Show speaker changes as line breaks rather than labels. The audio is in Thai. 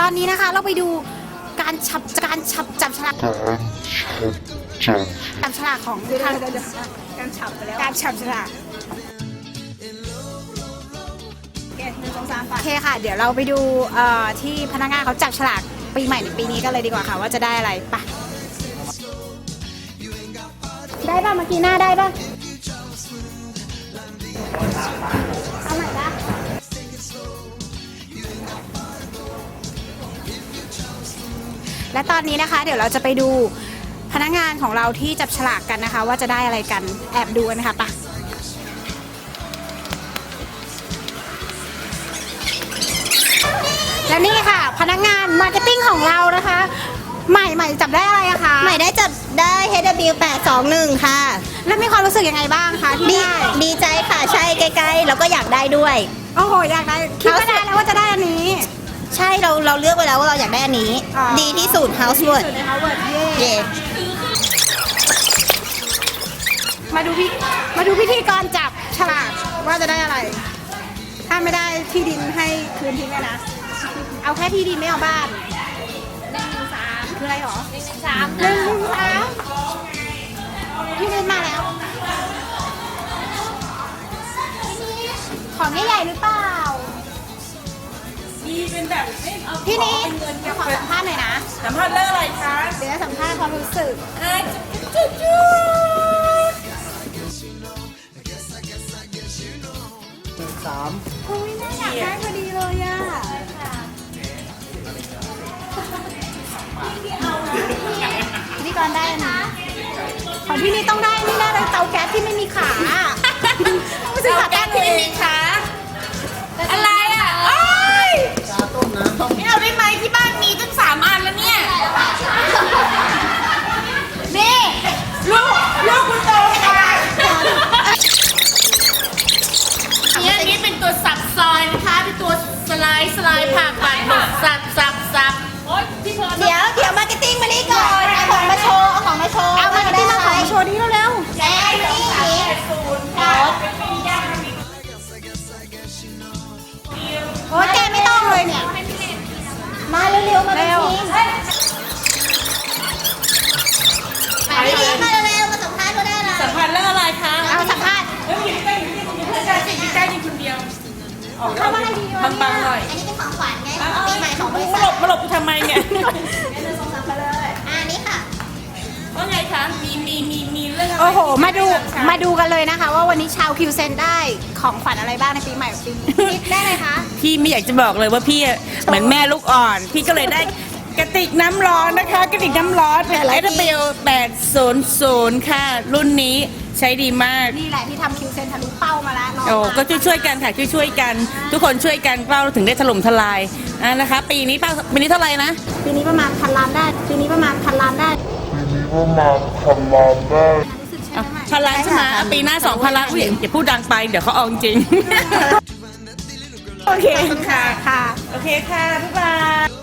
ตอนนี้นะคะเราไปดูการจับฉลากของทางการฉับไปแล้วการฉับฉลากโอเคค่ะเดี๋ยวเราไปดูที่พนักงานเขาจับฉลากปีใหม่ในปีนี้กันเลยดีกว่าค่ะว่าจะได้อะไรปะได้ป่ะเมื่อกี้หน้าได้ป่ะเอาใหม่ละและตอนนี้นะคะเดี๋ยวเราจะไปดูพนักงานของเราที่จับฉลากกันนะคะว่าจะได้อะไรกันแอบดูกันนะคะปะและนี่ค่ะพนักงานมาร์เก็ตติ้งของเรานะคะใหม่จับได้อะไรอะคะ
ใหม่ได้จับได้ HW821 ค่ะ
แล้วมีความรู้สึกยังไงบ้างคะที่ได้
ดีใจค่ะใช่ใกล้ๆแล้วก็อยากได้ด้วย
โอ้โหอยากได้คิดว่าได้แล้วว่าจะได้อันนี้
ใช่เราเลือกไว้แล้วว่าเราอยากได้อันนี้ดีที่สุด Housework เย่
มาดูพิธีกรจับฉลากว่าจะได้อะไรถ้าไม่ได้ที่ดินให้คืนทิ้งเลยนะเอาแค่ที่ดินไม่เอาบ้าน113คืออะไรหรอ113ที่ดินมาแล้วของใหญ่ๆหรือเปล่า
มีเป็นแบบ
พี่นี้เดี๋ยวขอสัมภาษณ์หน่อยนะ
สัมภาษณ์เรื่องอะไรคะ
เดี๋ยวสัมภาษณ์ความรู้สึกคุยน่าอยากได้พอดีเลยอ่ะนี่ก่อนได้นะของพี่นี่ต้องได้นี่ได้เลยเตาแก๊สที่ไม่มีขาไม่ใช่ขาตั้งที่ไม่มีขา
อะไรอ่ะโอ้ยไม่เอาได้ไหมที่บ้านมีตั้ง3 อันแล้วเนี่ยนี่ลูกคุณโตค่ะนี่เป็นตัวสับซอยนะคะเป็นตัวสไลด์ผักแบบสับ
เดี๋ยวมาร์เก็ตติ้งมานี่ก่อนเอาของมาโชว์
เอามาร์เก็ตติ้งมาของโชว์นี้เร็ว
แล้นี่
โอ้แกไม่ต้องเลยเนี่ย
มาเร็วๆมาเร็วมาเร็วมาสัมภาษณ์ก็ได้ละ
สัมภาษณ์เรื่องอะไรคะ
เอาสัมภาษณ์
แล้วอยู่ใกล้คนเดียว
เข้ามาให้ดี
บางๆหน่อย
อันนี้เป็นของขวัญไงปีใหม่ของบริษัท
มาหลบทำไมเนี่ย
ไปเลยอันนี้ค่ะ
ว่าไงคะมีเรื่องอะไร
โอ้โหมาดูกันเลยนะคะว่าวันนี้ชาวคิวเซนได้ของขวัญอะไรบ้างในปีใหม่ปีนี้ได้เลยคะ
พี่ไม่อยากจะบอกเลยว่าพี่เหมือนแม่ลูกอ่อนพี่ก็เลยได้กระติกน้ำร้อนนะคะกระติกน้ำร้อนเป็น SW800 ค่ะรุ่นนี้ใช้ดีมาก
นี่แหละที่ทำคิวเซนทะลุเป้ามาแล้ว
โอ้ก็ช่วยกันค่ะช่วยกันทุกคนช่วยกันเป้าถึงได้ถล่มทลายนะคะปีนี้เท่าไหร่นะ
ปีนี้ประมาณ1,000 ล้านได้
1,000 ล้านใช่ไหมปีหน้า2,000 ล้านอย่าพูดดังไปเดี๋ยวเขาเอาจริง
โอเค
ค่ะโอเคค่ะบ๊ายบาย